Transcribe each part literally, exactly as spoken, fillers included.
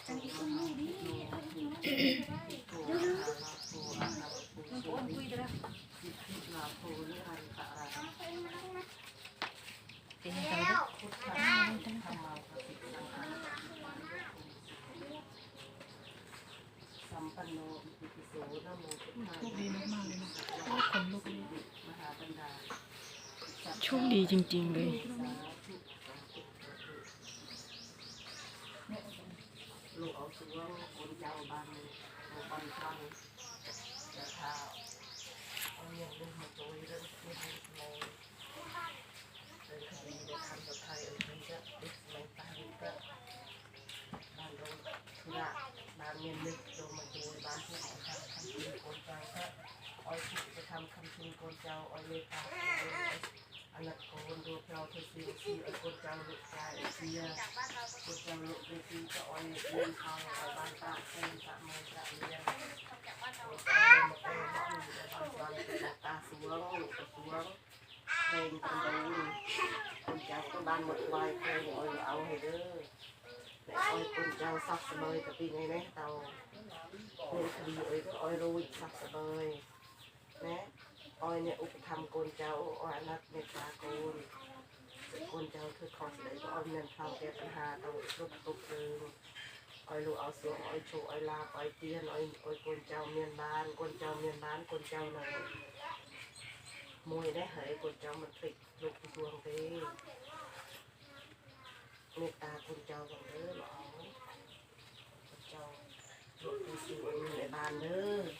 โชคดีจริงๆเลยลูกเอาเสือคนเจ้าบ้านลูกบ้านฟังจะท้าเอาเงินเรื่องมาโจยเรื่องเรื่องในเรื่องคดีในทางกับไทยเออที่จะเด็กในตาเด็กก็บ้านเราธุระบ้านเงินนึกโดนมาโจยบ้านที่เขาทำคำชินคนเจ้าก็อ้อยถูกจะทำคำชินคนเจ้าอ้อยเลยตาอันนั้นคนดูเราเธอซีซีไอ้คนเจ้าลูกชายเสียคนเจ้าลูกเด็กก็อ้อยเลี้ยงเขาบ้านตาเป็นตาเมืองตาเลี้ยงตาสวงลูกสวงเพลงกันดูคนเจ้าก็บ้านหมดวายเพลงอ้อยเอาให้เด้อแต่อ้อยคนเจ้าซักเสมอกับปีไงนะเตาเรื่องคดีอ้อยก็อ้อยรู้ซักเสมอนะอ้อยเนี่ยอุปธรรมโกนเจ้าอ้อยนัดเมตตาโกนโกนเจ้าคือขอเสด็จก็อ้อยเงินเข้าแก้ปัญหาต้องลุกตุกเองอ้อยลูกเอาเสืออ้อยโชอ้อยลาอ้อยเตี้ยนอ้อยอ้อยโกนเจ้าเมียนบ้านโกนเจ้าเมียนบ้านโกนเจ้าหน่อยมวยได้เหยโกนเจ้ามันติดลูกดวงเด้เมตตาโกนเจ้าของเด้อหรอโกนเจ้าลูกที่สิวอยู่ในบ้านเด้อ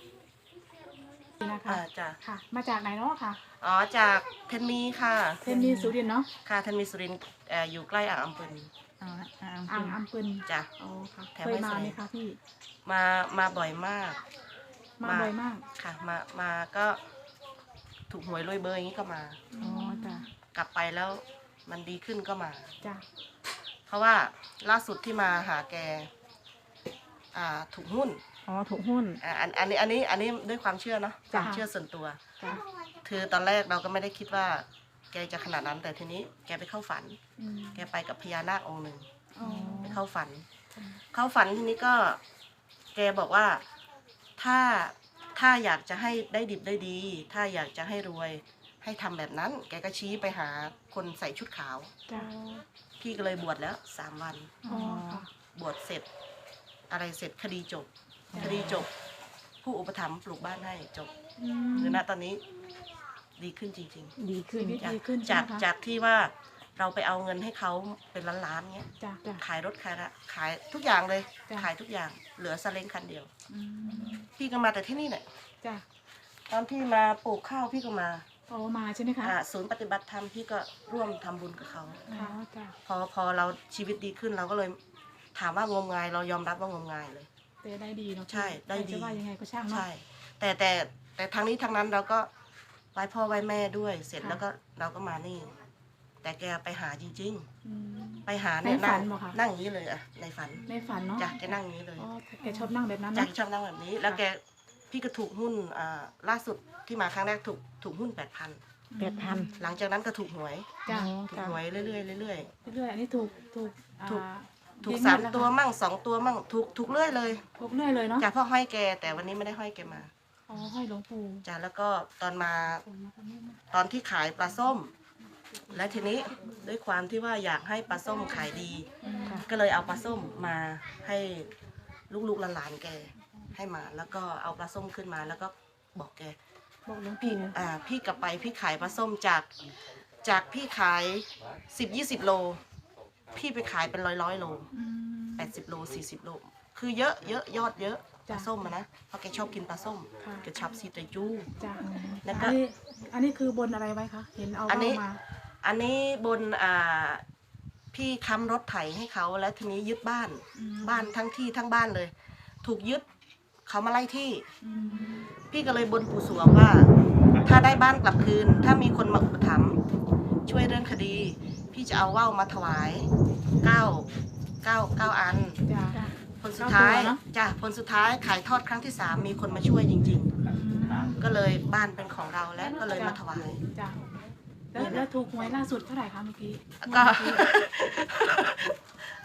นะคะจ้ะค่ะมาจากไหนเนาะค่ะอ๋อจากเทนมีค่ะเทนมีสุรินทร์เนาะค่ะเทนมีสุรินทร์อยู่ใกล้อ่างอัมพลอ่าอ่างอัมพลจ้ะอ๋อค่ะเคยมาไหมคะพี่มามาบ่อยมากมาบ่อยมากค่ะมามาก็ถูกหวยรวยเบอร์อย่างนี้ก็มาอ๋อจ้ะกลับไปแล้วมันดีขึ้นก็มาจ้ะเพราะว่าล่าสุดที่มาหาแกอ่าถูกหุ้นอ๋อถูกหุ้นอ่าอันอันนี้อันนี้อันนี้ด้วยความเชื่อเนาะความเชื่อส่วนตัวคือตอนแรกเราก็ไม่ได้คิดว่าแกจะขนาดนั้นแต่ทีนี้แกไปเข้าฝันแกไปกับพญานาคองค์หนึ่งไปเข้าฝันเข้าฝันทีนี้ก็แกบอกว่าถ้าถ้าอยากจะให้ได้ดิบได้ดีถ้าอยากจะให้รวยให้ทำแบบนั้นแกก็ชี้ไปหาคนใส่ชุดขาวพี่ก็เลยบวชแล้วสามวันบวชเสร็จอะไรเสร็จคดีจบคดีจบผู้อุปถัมภ์ปลูกบ้านให้จบหรือณตอนนี้ดีขึ้นจริงๆดีขึ้นดีขึ้นจากจากที่ว่าเราไปเอาเงินให้เขาเป็นล้านๆเงี้ยขายรถขายละขายทุกอย่างเลยขายทุกอย่างเหลือซาเล้งคันเดียวพี่ก็มาแต่ที่นี่แหละตอนพี่มาปลูกข้าวพี่ก็มาอ๋อมาใช่ไหมคะศูนย์ปฏิบัติธรรมพี่ก็ร่วมทำบุญกับเขาพอพอเราชีวิตดีขึ้นเราก็เลยถามว่างมงายเรายอมรับว่างมงายเลยแต่ได้ดีเนาะใช่ได้ดีจะว่ายังไงก็ช่างเนาะใช่แต่แต่แต่ทางนี้ทางนั้นเราก็ไหว้พ่อไหว้แม่ด้วยเสร็จแล้วก็เราก็มานี่แต่แกไปหาจริงๆไปหาเนี่ยนั่งนั่งอย่างนี้เลยอะในฝันในฝันเนาะจ้ะแกนั่งอย่างนี้เลยอ๋อแกชอบนั่งแบบนั้นจ้ะชอบนั่งแบบนี้แล้วแกพี่ก็ถูกหุ้นอ่าล่าสุดที่มาครั้งแรกถูกถูกหุ้นแปดพันแปดพันหลังจากนั้นก็ถูกหวยจ้ะถูกหวยเรื่อยๆเรื่อยๆเรื่อยๆอันนี้ถูกถูกถูกถูกสามตัวมั่งสองตัวมั่งถูกถูกเรื่อยเลยถูกเรื่อยเลยเนาะจ้ะพ่อห้อยแกแต่วันนี้ไม่ได้ห้อยแกมาอ๋อห้อยหลวงปู่จ้ะแล้วก็ตอนมาตอนที่ขายปลาส้มและทีนี้ด้วยความที่ว่าอยากให้ปลาส้มขายดีก็เลยเอาปลาส้มมาให้ลูกๆหลานๆแกให้มาแล้วก็เอาปลาส้มขึ้นมาแล้วก็บอกแกบอกหลวงพี่ปู่อ่าพี่กลับไปพี่ขายปลาส้มจากจากพี่ขายสิบยี่สิบโลพี่ไปขายเป็นร้อยร้อยโลแปดสิบโลสี่สิบโลคือเยอะเยอะยอดเยอะปลาส้มนะเพราะแกชอบกินปลาส้มแกชอบซีไตจูแล้วก็อันนี้คือบนอะไรไว้คะเห็นเอามาอันนี้บนอ่าพี่ค้ำรถไถให้เขาแล้วทีนี้ยึดบ้านบ้านทั้งที่ทั้งบ้านเลยถูกยึดเขามาไล่ที่พี่ก็เลยบนปู่สวงว่าถ้าได้บ้านกลับคืนถ้ามีคนมาอุปถัมภ์ช่วยเรื่องคดีพี่จะเอาว่าวมาถวายเก้าเก้าเก้าอันผลสุดท้ายจ้ะผลสุดท้ายขายทอดครั้งที่สามมีคนมาช่วยจริงๆก็เลยบ้านเป็นของเราแล้วก็เลยมาถวายแล้วแล้วถูกหวยล่าสุดเท่าไหร่คะเมื่อกี้ก็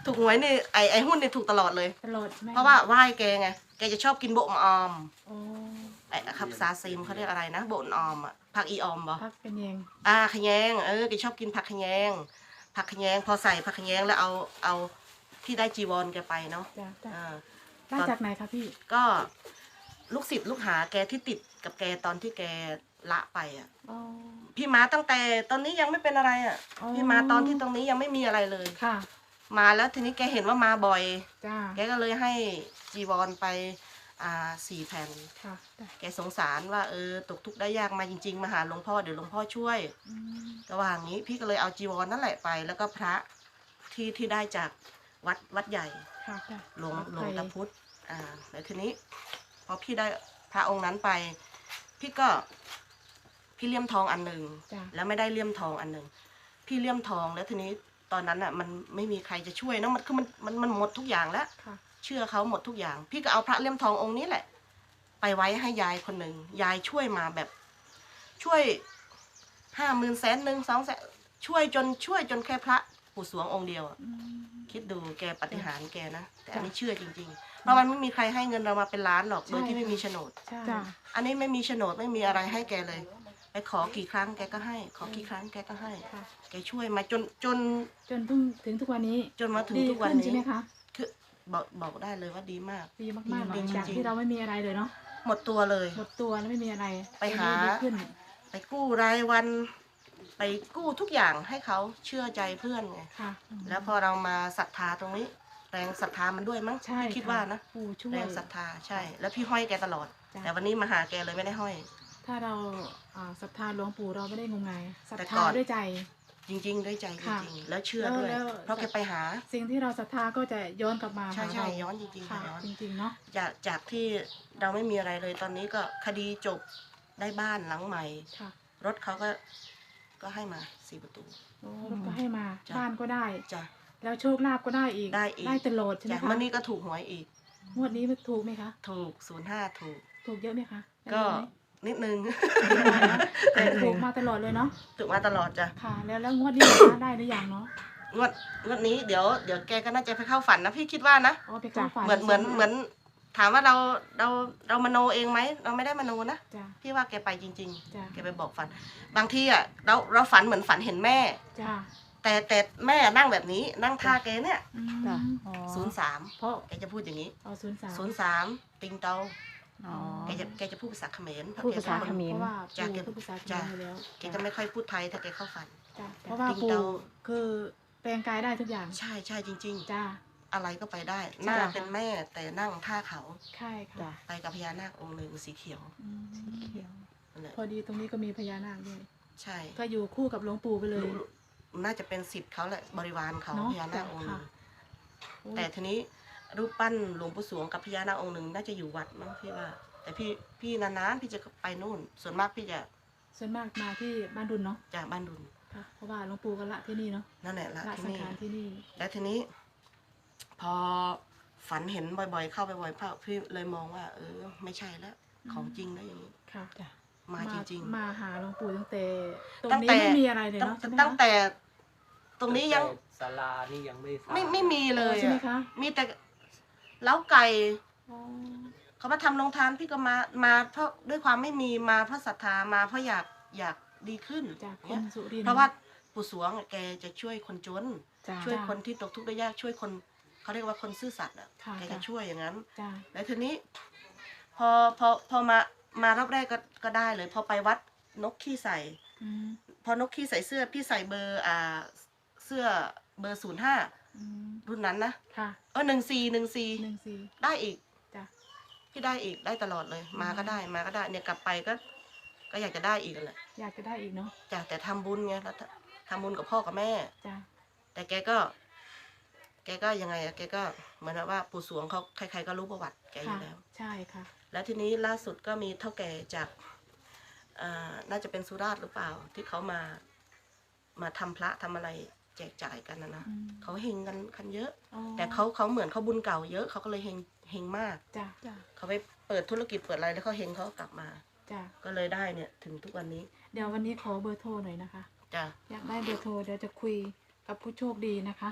ถูกหวยนี่ไอไอหุ้นนี่ถูกตลอดเลยตลอดไหมเพราะว่าไหว้แกไงแกจะชอบกินโบะมะออมโอ้ไอ้ครับซาซิมเขาเรียกอะไรนะโบะมะออมอ่ะผักอีออมบ่พักเป็นยังอ่าขะแยงเออแกชอบกินผักขะแยงผักขะแยงพอใส่ผักขะแยงแล้วเอาเอาที่ได้จีวรแกไปเนาะจ้ะจ้ะอ่าได้จากไหนคะพี่ก็ลูกศิษย์ลูกหาแกที่ติดกับแกตอนที่แกละไปอ่ะอ๋อพี่มาตั้งแต่ตอนนี้ยังไม่เป็นอะไรอ่ะอ๋อพี่มาตอนที่ตรงนี้ยังไม่มีอะไรเลยค่ะมาแล้วทีนี้แกเห็นว่ามาบ่อยจ้าแกก็เลยให้จีวรไปอ่าสี่แผ่นค่ะจ้ะแกสงสารว่าเออตกทุกข์ได้ยากมาจริงๆมาหาหลวงพ่อเดี๋ยวหลวงพ่อช่วยอืมระหว่างนี้พี่ก็เลยเอาจีวรนั่นแหละไป แล้วก็พระที่ที่ได้จากวัดวัดใหญ่ค่ะจ้ะหลวงวัดหลวงไทยตาพุธอ่าแล้วทีนี้พอพี่ได้พระองค์นั้นไป พี่ก็พี่เลี่ยมทองอันหนึ่งจ้ะแล้วไม่ได้เลี่ยมทองอันหนึ่งพี่เลี่ยมทองแล้วทีนี้ตอนนั้นอ่ะมันไม่มีใครจะช่วยเนอะมันคือมันมันมันหมดทุกอย่างแล้วค่ะเชื่อเขาหมดทุกอย่าง พี่ก็เอาพระเลี่ยมทององค์นี้แหละ ไปไว้ให้ยายคนหนึ่งยายช่วยมาแบบ ช่วยห้าหมื่นแสนหนึ่งสองแสนช่วยจนช่วยจนแค่พระปู่สวงองค์เดียวอะอืมคิดดูแกปฏิหารย์แกนะแต่อันนี้จ้ะเชื่อจริงๆ เพราะมันไม่มีใครให้เงินเรามาเป็นล้านหรอกโดยที่ไม่มีโฉนดใช่จ้ะอันนี้ไม่มีโฉนดไม่มีอะไรให้แกเลย ไปขอกี่ครั้งแกก็ให้ ขอกี่ครั้งแกก็ให้ค่ะแกช่วยมาจนจนจนเพิ่งถึงทุกวันนี้จนมาถึงดีทุกวันขึ้นนี้ใช่ไหมคะคือบอกบอกได้เลยว่าดีมากดีมากๆดีหลังจริงๆจากที่เราไม่มีอะไรเลยเนาะหมดตัวเลยหมดตัวแล้วไม่มีอะไรไปหาดีขึ้นไปกู้รายวัน ไปกู้ทุกอย่างให้เขาเชื่อใจเพื่อนไงค่ะแล้วพอเรามาศรัทธาตรงนี้ แรงศรัทธามันด้วยมั้งใช่พี่คิดว่านะปู่ช่วแรยงศรัทธาใช่ แล้วพี่ห้อยแกตลอดจ้ะแต่วันนี้มาหาแกเลยไม่ได้ห้อยถ้าเราอ่าศรัทธาหลวงปู่เราไม่ได้งมงายศรัทแต่ธาก่อนด้วยใจจริง ๆ ด้วยใจจค่ะริงๆ แล้วเชื่อด้วยแล้วเพราะแกไปหาสิ่งที่เราศรัทธาก็จะย้อนกลับมาใช่หาใช่เราย้อนจริงๆค่ะค่ะย้อนจริงๆเนาะจากจากที่เราไม่มีอะไรเลยตอนนี้ก็คดีจบได้บ้านหลังใหม่ค่ะรถเขาก็ก็ให้มาสี่ประตูโอ้รถก็ให้มาจ้ะบ้านก็ได้จ้ะแล้วโชคลาภก็ได้อีกได้อีกได้ตลอดใช่ไหมจากคะเมื่อนี้ก็ถูกหวยอีกงวดนี้มันถูกไหมคะถูกศูนย์ห้าถูกถูกเยอะไหมคะได้ก็เยอะไหมนิดนึงแต่ถูกมาตลอดเลยเนาะถูกมาตลอดจ้ะค่ะ แล้วแล้วงวดนี้นะคะได้หรือยังเนาะงวดงวดนี้เดี๋ยวเดี๋ยวแกก็น่าจะไปเข้าฝันนะพี่คิดว่านะอ๋อไปเข้าฝันเหมือนเหมือนเหมือนถามว่าเราเราเรามโนเองไหมเราไม่ได้มโนนะจ้ะพี่ว่าแกไปจริงจ้ะๆ แกไปบอกฝัน บางทีอ่ะเราเราฝันเหมือนฝันเห็นแม่จ้ะแต่แต่แม่นั่งแบบนี้นั่งท่าแกเนี่ยอืมจ้ะอ๋อศูนย์สามเพราะแกจะพูดอย่างนี้เอาศูนย์สามศูนย์สามติงเตาอ๋อแกจะแกจะพูดภาษาเขมรพูดภาษาแกเขมรเพราะว่าจ้ะปู่แกพูดภาษาเขมจ้ะรอยู่แล้วแกจะไม่ค่อยพูดไทยถ้าแกเข้าฝันจ้ะเพราะว่าติ๊งปู่เตาคือแปลงกายได้ทุกอย่างใช่ใช่จริงจ้าๆ อะไรก็ไปได้ หน้าเป็นแม่แต่นั่งท่าเขาใช่ค่ะจ้ะไปกับพญานาคองค์หนึ่งสีเขียวอืมเขียวนั่นแหละพอดีตรงนี้ก็มีพญานาคด้วยใช่ก็อยู่คู่กับหลวงปู่ไปเลยรู้น่าจะเป็นสิทธิ์เขาแหละบริวารเขาเนอะพญานาคองค์หนึ่งค่ะ โอ้ยแต่ทีนี้รูปปั้นหลวงปู่สวงกับพญานาคองค์หนึ่งน่าจะอยู่วัดมั้งพี่ว่า แต่พี่พี่นานๆพี่จะไปนู่น ส่วนมากพี่จะส่วนมากมาที่บ้านดุลเนาะจากบ้านดุลค่ะ เพราะว่าหลวงปู่ก็ละที่นี่เนาะนั่นแหละละละที่สังนี่ขารที่นี่และทีนี้ พอฝันเห็นบ่อยๆ เข้าไปบ่อยๆพี่เลยมองว่า เออ ไม่ใช่แล้วของจริงแล้วอย่างนี้ค่ะจ้ะมาจริงมาหาหลวงปู่ตั้งแต่ตรงตั้งนี้แต่ไม่มีอะไรเลยๆตั้งเนาะใช่ไหมตั้งคะแต่ตรงนี้ยังศาลานี่ยังไม่สร้างไม่ไม่มีเลยใช่ไหมอะคะมีแต่เล้าไก่อ๋อเขามาทำโรงทานพี่ก็มามาเพราะด้วยความไม่มีมาเพราะศรัทธามาเพราะอยากอยากดีขึ้นจากคเนี่ยนสุรินทร์เพราะว่าปู่สวงอะแกจะช่วยคนจนจ้ะช่วยคนที่ตกทุกข์ได้ยากช่วยคนเขาเรียกว่าคนซื่อสัตย์อ่ะค่ะแกจะจ้ะช่วยอย่างนั้นจ้าแล้วทีนี้ พอพอพอมามารอบแรกก็ก็ได้เลย พอไปวัดนกขี้ใส่อืมพอนกขี้ใส่เสื้อพี่ใส่เบอร์อ่าเสื้อเบอร์ศูนย์ห้าอืมรุ่นนั้นนะค่ะเออหนึ่งสี่หนึ่งสี่หนึ่งสี่ได้อีกจ้ะพี่ได้อีกได้ตลอดเลย มาก็ได้มาก็ได้เนี่ยกลับไปก็ ก็อยากจะได้อีกนั่นแหละอยากจะได้อีกเนาะจ้ะแต่ทำบุญไงแล้วทำบุญกับพ่อกับแม่จ้าแต่แกก็ แกก็ยังไงอะแกก็เหมือนว่าปู่สวงเขาใครๆก็รู้ประวัติแกอค่ะยู่แล้วใช่ค่ะแล้วทีนี้ล่าสุดก็มีเท่าแก่จากอ่าน่าจะเป็นสุราษฎร์หรือเปล่า ที่เขามา มาทำพระทำอะไรแจกจ่ายกันนะนะอืมเขาเฮงกันคันเยอะอ๋อแต่เขาเขาเหมือนเขาบุญเก่าเยอะเขาก็เลยเฮงเฮงมากจ้าจ้าเขาไปเปิดธุรกิจเปิดอะไรแล้วเขาเฮงเขาก็กลับมาจ้าก็เลยได้เนี่ยถึงทุกวันนี้เดี๋ยววันนี้ขอเบอร์โทรหน่อยนะคะจ้ะอยากได้เบอร์โทรเดี๋ยวจะคุยกับผู้โชคดีนะคะ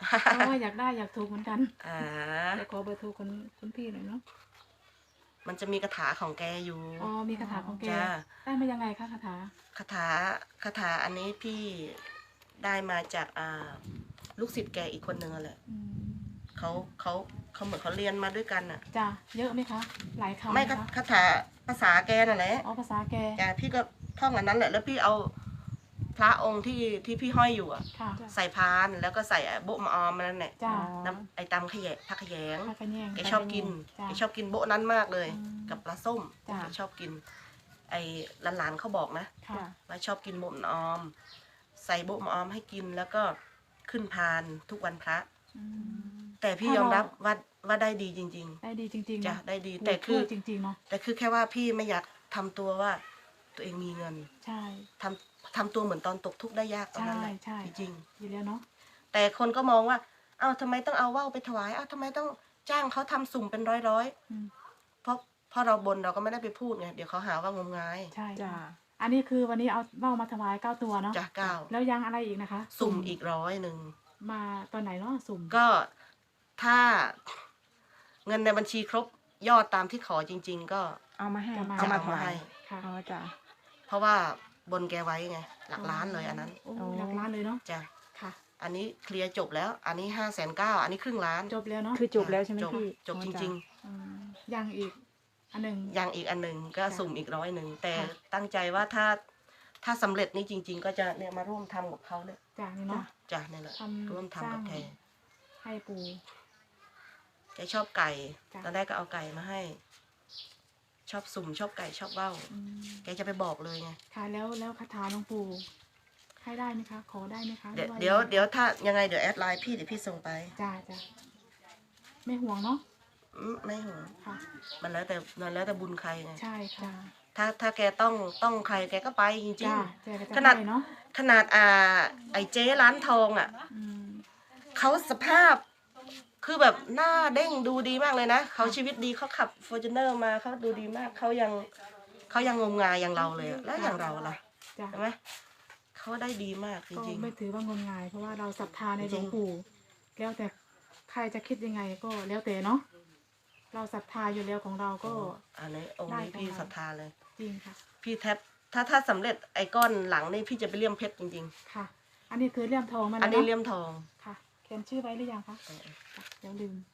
เพราะว่าอยากได้อยากถูกเหมือนกันอ่าเดี๋ยวขอเบอร์โทรคนคุณพี่หน่อยเนาะมันจะมีคาถาของแกอยู่อ๋อมีคาถาของแกจ้าได้มายังไงคะคาถาคาถาคาถาอันนี้พี่ได้มาจากอ่าลูกศิษย์แกอีกคนหนึ่งอะแหละอืมเขาเขาเขาเหมือนเขาเรียนมาด้วยกันอ่ะจ้ะเยอะไหมคะ หลายคำไหมไม่คะคาถาภาษาแกนั่นแหละอ๋อภาษาแกจ้ะพี่ก็ท่องอันนั้นแหละแล้วพี่เอาพระองค์ที่ที่พี่ห้อยอยู่อ่ะค่ะใส่พานแล้วก็ใส่โบ๊ะมะออมนั่นแหละจ้ะน้ำไอตำขยะผักขยงพระกระแยงแกชอบกินจ้ะแกชอบกินโบ๊ะนั้นมากเลยอืมกับปลาส้มจ้ะแกชอบกิน ไอ้หลานๆเขาบอกนะค่ะว่าชอบกินโบ๊ะมะออม ใส่โบ๊ะมะออมให้กินแล้วก็ขึ้นพานทุกวันพระอืมแต่พี่ถ้ายอมรับเราว่าว่าได้ดีจริงได้ดีจริงๆๆจ้ะเนาะได้ดีโอ้แต่คือช่วยจริงๆเนาะแต่คือแค่ว่าพี่ไม่อยากทำตัวว่าตัวเองมีเงินใช่ทำทำตัวเหมือนตอนตกทุกข์ได้ยากตอนใช่นั้นแหละใช่จริงอยู่แล้วเนาะๆแต่คนก็มองว่าเอ้าทำไมต้องเอาว่าวไปถวายเอ้าทำไมต้องจ้างเขาทำสุ่มเป็นร้อยร้อยอืมๆเพราะเพราะเราบนเราก็ไม่ได้ไปพูดไงเดี๋ยวเขาหาว่างมงายใช่จ้าอันนี้คือวันนี้เอาว่าวมาถวายเก้าตัวเนาะจ้ะเก้าแล้วยังอะไรอีกนะคะสุ่มอีกร้อยหนึ่งมาตอนไหนเนาะสุ่มก็ถ้าเงินในบัญชีครบยอดตามที่ขอจริง ๆ ก็เอามาให้จะมาเอามาจะถเอาวาให้ยค่ะอ๋อจ้าเพราะว่าบนแกไว้ไงหลักล้านเลยอันนั้นโอ้โอ้หลักล้านเลยเนาะจ้ะค่ะอันนี้เคลียร์จบแล้ว อันนี้ห้าแสนเก้าอันนี้ครึ่งล้านจบแล้วเนาะคือจบแล้วใช่ไหมจบพี่จบอ๋อจจ้ะริงอืมยังอีก อันหนึ่งๆ อย่างอีกอันหนึ่งก็ค่ะสุ่มอีกร้อยหนึ่งแต่ค่ะตั้งใจว่าถ้าถ้าสำเร็จนี่จริง ๆ ก็จะเนี่ยมาร่วมทำกับเขาเนี่ยจากนี้เนาะจ้ะนี่แหละทำร่วมทำกับสแกร้าง ให้ปูแกชอบไก่จ้ะตอนแรกก็เอาไก่มาให้ ชอบสุ่มชอบไก่ชอบว่าวอืมแกจะไปบอกเลยไงค่ะแล้วแล้วคาถาหลวงปู่ให้ได้ไหมคะ ขอได้ไหมคะเดี๋ยวหรือเดี๋ยวาเดี๋ยวถ้ายังไงเดี๋ยวแอดไลน์พี่เดี๋ยวพี่ส่งไปจ้าจ้าไม่ห่วงเนาะอืมไม่ห่วงค่ะมันแล้วแต่มันแล้วแต่บุญใครไงใช่ค่ะถ้าถ้าแกต้องต้องใครแกก็ไปจริงจ้าเจอกันขนาดจะให้เนาะๆ ขนาดอ่าไอ้เจ๊ร้านทองอ่ะอืมเขาสภาพ คือแบบหน้าเด้งดูดีมากเลยนะเขาชีวิตดีเขาขับฟอร์จูเนอร์มาเขาดูดีมากเขายังเขายังงมงายอย่างเราเลยอะแล้วอย่างเราล่ะจ้าใช่ไหมเขาได้ดีมากจก็ริงไม่ถือว่างมงาย เพราะว่าเราศรัทธาในหลจริวงงปู่แล้วแต่ใครจะคิดยังไงก็แล้วแต่เนาะเราศรัทธาอยู่แล้วของเราๆก็อันนี้องค์ได้นี้ของพี่เราศรัทธาเลยจริงค่ะพี่แทบถ้าถ้าสำเร็จไอ้ก้อนหลังนี่พี่จะไปเลี่ยมเพชรจริงค่ะ อันนี้คือเลี่ยมทองมาๆแล้วอันนี้เนาะเลี่ยมทองค่ะเขียนชื่อไว้หรือยังคะเออเดี๋ยวลืม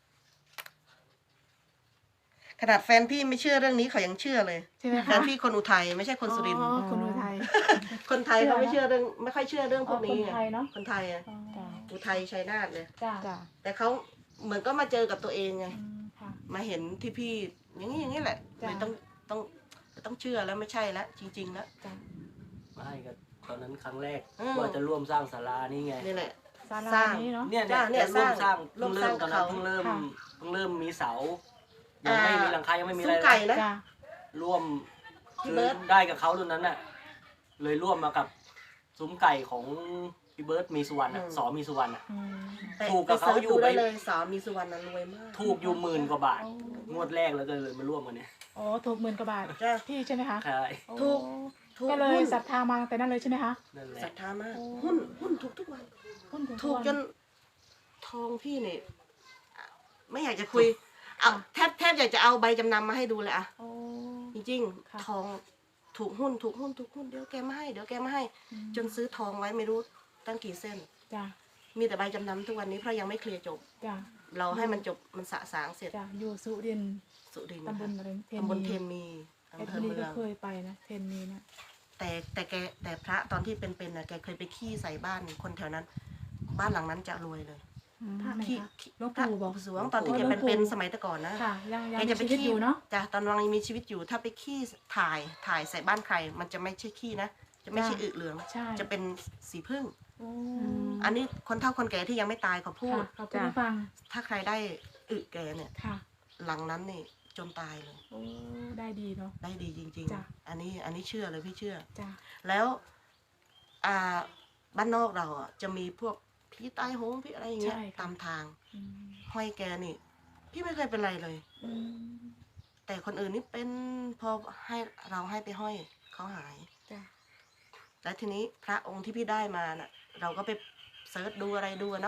ขนาดแฟนพี่ไม่เชื่อเรื่องนี้เขายังเชื่อเลยใช่ไหมแฟคะนพี่คนอุทัยไม่ใช่คนสุรินทร์อ๋อคนอุทัยคนไทยเขาไม่เชื่อเรื่องไม่ค่อยเชื่อเรื่องพอ๋วอก คนี้นไงไทยเนาะคนไทยอะอ๋อจ้าอุทัยชัยนาทเลยจ้าจ้าแต่เขาเหมือนก็มาเจอกับตัวเองไงอืมค่ะมาเห็นที่พี่อย่างนี้อย่างนี้แหละจ้ะเลยต้องต้องต้องเชื่อแล้วไม่ใช่แล้วจริง ๆ แล้วจ้าไม่ก็ตอนนั้นครั้งแรกอืมว่าจะร่วมสร้างศาลานี่ไงนี่แหละศาสลาร้างนี้เนาะเนี่ยจ้ะเนี่ยเนี่ยร่วมสร้างร่วมเพิ่งเริ่มสตร้าอง นนั้นเขาเพิ่งเริ่มค่ะเพิ่งเริ่มมีเสายังไม่มีหลังคายังไม่มีอะไรซุ้มไก่เลยนะจ้าร่วมพี่คือเบิร์ตได้กับเขารุ่นนั้นน่ะ เลยร่วมมากับซุ้มไก่ของพี่เบิร์ตมีสุวรรณอ่ะสอมีสุวรรณอ่ะอืมแต่ถูกกับไปสิร์ชเขาอยู่ดูได้ไปเลยสามีสุวรรณนั้นรวยมากถูกอยู่หมื่นกว่าบาทโอ้งวดแรกแล้วก็เลยมาร่วมกันเนี่ยอ๋อถูกหมื่นกว่าบาทจ้ะพี่ใช่ไหมคะใช่โอ้ถูก ถูกก็เลยหุ้นศรัทธามาตั้งแต่นั้นเลยใช่ไหมคะนั่นแหศรัละทธามากโอ้หุ้นหุ้นถูกทุกวันหุ้นถูกถูกทุจวันทองพี่เนี่ยไม่อยากจะคุยเอาแทบแทบอยากจะเอาใบจำนำมาให้ดูเลยอะโอ้จริงค่ะๆทองถูกหุ้นถูกหุ้นถูกหุ้นเดี๋ยวแกมาให้เดี๋ยวแกมาให้อืมจนซื้อทองไว้ไม่รู้ตั้งกี่เส้นจ้ามีแต่ใบจำนำทุกวันนี้เพราะยังไม่เคลียร์จบจ้าเราให้มันจบมันสะสางเสร็จจ้าอยู่สุรินทร์สุรินทร์ตำบลค่ะอะไรเทนตำบลมีเทนมีเอ็อำดเภอนีเมืก็องเคยไปนะเทนมีนะแต่แต่แกแต่พระตอนที่เป็นๆน่ะแกเคยไปขี้ใส่บ้านคนแถวนั้น บ้านหลังนั้นจะรวยเลยพระไหนขี้คะขี้หลวงพระปู่บอกสวงตอนที่อ๋อแกหลวงปู่เป็นๆสมัยแต่ก่อนนะค่ะ ยังยังแกมีจะไปชีวิตขี้อยู่เนาะจ้ะตอนวังยังมีชีวิตอยู่ ถ้าไปขี้ถ่ายถ่ายใส่บ้านใคร มันจะไม่ใช่ขี้นะ จะไม่ใช่จ้ะอึเหลืองใช่จะเป็นสีพึ่งโอ้อันนี้คนเฒ่าคนแก่ที่ยังไม่ตายเขาพูดค่ะขอบคุณฟังถ้าใครได้อึแกเนี่ยค่ะหลังนั้นนี่จนตายเลยโอ้ได้ดีเนาะได้ดีจริงจ้ะๆ อันนี้อันนี้เชื่อเลยพี่เชื่อจ้าแล้วอ่าบ้านนอกเราอ่ะจะมีพวกผีตายโหงผีอะไรอย่างเงี้ยตามทางอืมห้อยแกนี่ พี่ไม่เคยเป็นไรเลยอืมแต่คนอื่นนี่เป็นพอให้เราให้ไปห้อยเขาหายจ้าแล้วทีนี้พระองค์ที่พี่ได้มาน่ะ เราก็ไปเซิร์ชดูอะไรดูอะเนาะพระ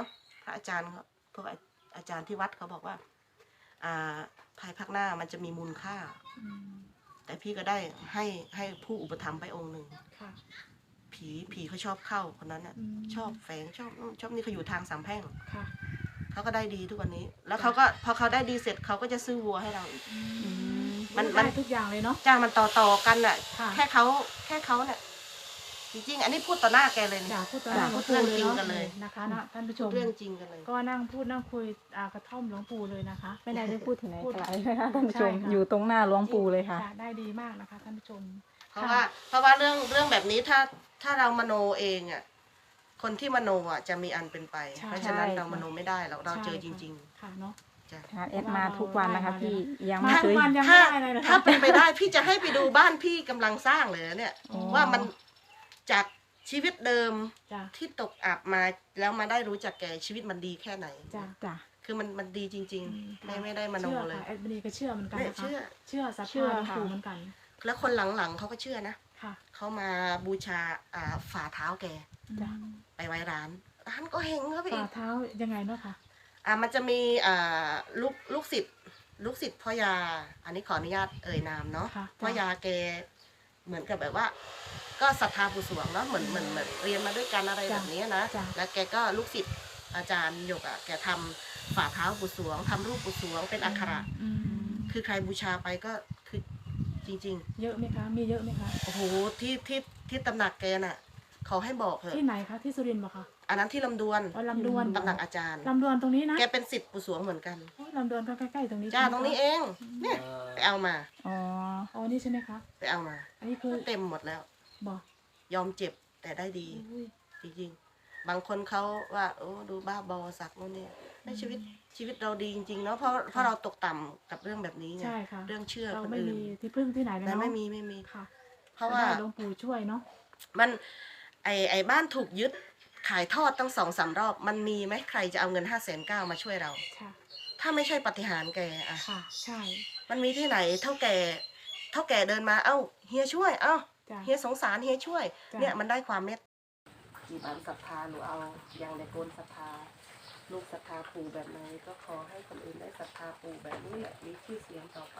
ระอาจารย์เขาพวกอาจารย์ที่วัดเขาบอกว่า อ่าภายภาคหน้ามันจะมีมูลค่าอืมแต่พี่ก็ได้ให้ให้ผู้อุปถัมภ์ไปองค์หนึ่งค่ะผีผีเขาชอบเข้าคนนั้นน่ะอืมชอบแฝงชอบนู่นชอบนี่เขาอยู่ทางสามแพร่งค่ะเขาก็ได้ดีทุกวันนี้ แล้วเขาก็พอเขาได้ดีเสร็จเขาก็จะซื้อวัวให้เราอีกอือืมมมันได้ทุกอย่างเลยเนาะจ้างมันต่อต่อๆกันน่ะค่ะแค่เขาแค่เขาเนี่ยจริงๆ อันนี้พูดต่อหน้าแกเลยจานะกพูดตอนนั้นพูก็ดพูดเรื่องเลยจริงเนาะกันเลยนะคะนะท่านผู้ชพูมดเรื่องจริงกันเลยก็นั่งพูดนั่งคุยอ่ากระท่อมหลวงปู่เลยนะคะไม่ได้ได้พูดถึงไหนพูดไกลนะคะท่านผู้ชมใช่ค่ะอยู่ตรงหน้าหลวงปู่เลยค่ะได้ดีมากนะคะท่านผู้ชมเพราะว่าเพราะว่าเรื่องเรื่องแบบนี้ถ้าถ้าเรามโนเองอ่ะคนที่มโนอ่ะจะมีอันเป็นไปใช่เพราะฉะนั้นใช่เรามโนไม่ได้เราเราเจอจใช่ค่ะริงค่ะเนาะๆจ้ะค่ะแอดมาทุกวันนะคะพี่ยังมาไม่เคทุกยวันยังถ้าไม่ได้เลยนะคะถ้าเป็นไปได้พี่จะให้ไปดูบ้านพี่กำลังสร้างเลยเนี่ยอ๋อว่ามันจากชีวิตเดิมจ้ะที่ตกอับมาแล้วมาได้รู้จักแกชีวิตมันดีแค่ไหนจ้ะจ้ะคือมันมันดีจริงอืมๆ ไม่ไม่ได้มโนเชื่อเลยค่ะแอดมินีก็เชื่อเหมือนกันเนี่ยนะคะเชื่อเชื่อศรัทเชื่อธาหลวงค่ะปู่เหมือนกันแล้วคนหลังๆเขาก็เชื่อนะค่ะเขามาบูชาอ่าฝ่าเท้าแกจ้ะไปไว้ร้านร้านก็เฮงครับพี่ฝ่าเท้ายังไงเนาะค่ะอ่ามันจะมีอ่าลูกลูกศิษย์ลูกศิษย์พ่อยา อันนี้ขออนุญาตเอ่ยนามเนาะค่ะพ่อยาแกเหมือนกับแบบว่า ก็ศรัทธาปู่สวงเนาะเหมือนเหมือนเหมือนเรียนมาด้วยกันอะไรแบบนี้นะจ้ะแล้วแกก็ลูกศิษย์อาจารย์หยกอ่ะแกทำฝ่าเท้าปู่สวงทำรูปปู่สวงเป็นอักขระอืมคือใครบูชาไปก็คือจริงเยอะไหมคะ มีเยอะไหมคะๆ โอ้โหที่ที่ที่ตำหนักแกน่ะเขาให้บอกเถอะที่ไหนคะ ที่สุรินทร์ปะคะอันนั้นที่ลำดวนอ๋อลำดวนตำหนักอาจารย์ลำดวนตรงนี้นะแกเป็นศิษย์ปู่สวงเหมือนกันโอ้ยลำดวนก็ใกล้ๆตรงนี้จ้าใช่ไหมตรงนี้คะเอง เนี่ยไปเอามาอ๋ออ๋อนี่ใช่ไหมคะไปเอามาอันนี้คือเต็มหมดแล้วบอกยอมเจ็บแต่ได้ดีอุ้ยจริงๆ บางคนเขาว่าโอ้ดูบ้าบอสักนู่นนี่ในชีวิตชีวิตเราดีจริงๆเนาะเพราะเพราะเราตกต่ำกับเรื่องแบบนี้ไงใช่ค่ะเรื่องเชื่อเราคนไม่อื่นมีที่พึ่งที่ไหนเลยแต่เนาะไม่มีไม่มีค่ะเพราะว่าได้หลวงปู่ช่วยเนาะมันไอไอบ้านถูกยึดขายทอดตั้งสองสามรอบ มันมีไหมใครจะเอาเงินห้าแสนเก้ามาช่วยเราค่ะถ้าไม่ใช่ปาฏิหาริย์แกอะค่ะ ใช่มันมีที่ไหนเท่าแก่เท่าแก่เดินมาเอ้าเฮียช่วยเอ้าจ้ะเฮียสงสารเฮียช่วยจ้ะเนี่ยมันได้ความเมตกี่บานศรัทธาหนูเอาอย่างในโกนศรัทธาลูกศรัทธาปู่แบบไหนก็ขอให้คนอื่นได้ศรัทธาปู่แบบนี้แหละมีชื่อเสียงต่อไป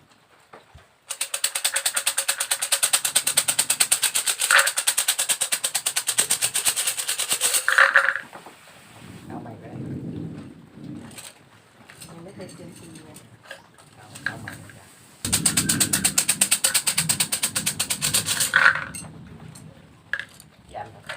เอาใหม่ก็ได้ยังไม่เคยเซียมซีเลยเอาเอาใหม่จ้ะยันครับ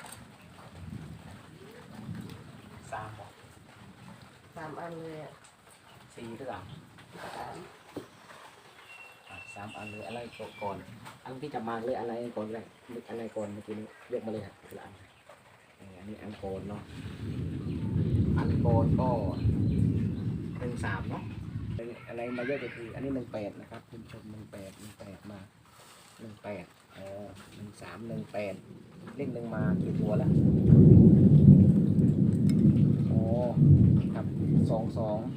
สามบอกสามอันเลยอ่ะสี่หรือเปล่าสามอ่ะสามอันเลยอะไรก่อนอันที่จะมาเลยอะไรก่อนเลยนึกอะไรก่อนเมื่อกี้นี้ยกมาเลยครับทีละอันเอออันนี้อันโกนเนาะอันโกนก็หนึ่งสามเนาะอะไรมาเยอะก็คืออันนี้หนึ่งแปดนะครับคุณผู้ชมหนึ่งแปดหนึ่งแปดมาหนึ่งแปดอ๋อหนึ่งสามหนึ่งแปดเลขหนึ่งมากี่ตัวแล้วอ๋อครับสองสอง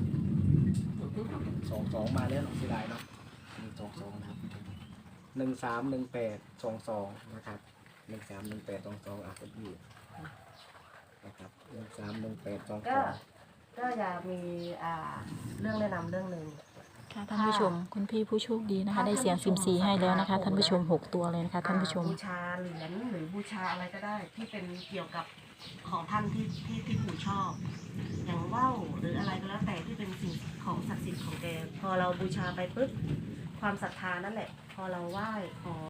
สองสองมาแล้วเนาะเสียดายเนาะหนึ่งสองสองนะครับหนึ่งสามหนึ่งแปดสองสองนะครับหนึ่งสามหนึ่งแปดสองสองอ่ะก็อยู่นะครับหนึ่งสามหนึ่งแปดสองสก็องก็อยากมีอ่าเรื่องแนะนำเรื่องหนึ่งค่ะท่านผู้ชมคุณพี่ผู้โชคดีนะคะ ได้เสียงซิมซีให้แล้วนะคะ ท่านผู้ชมหกตัวเลยนะคะท่านผู้ชมบูชาเหรียญหรือบูชาอะไรก็ได้ ที่เป็นเกี่ยวกับของท่านที่ที่ที่ปู่ชอบ อย่างว่าวหรืออะไรก็แล้วแต่ที่เป็นสิ่งของศักดิ์สิทธิ์ของแกพอเราบูชาไปปุ๊บความศรัทธานั่นแหละ พอเราไหว้ขอ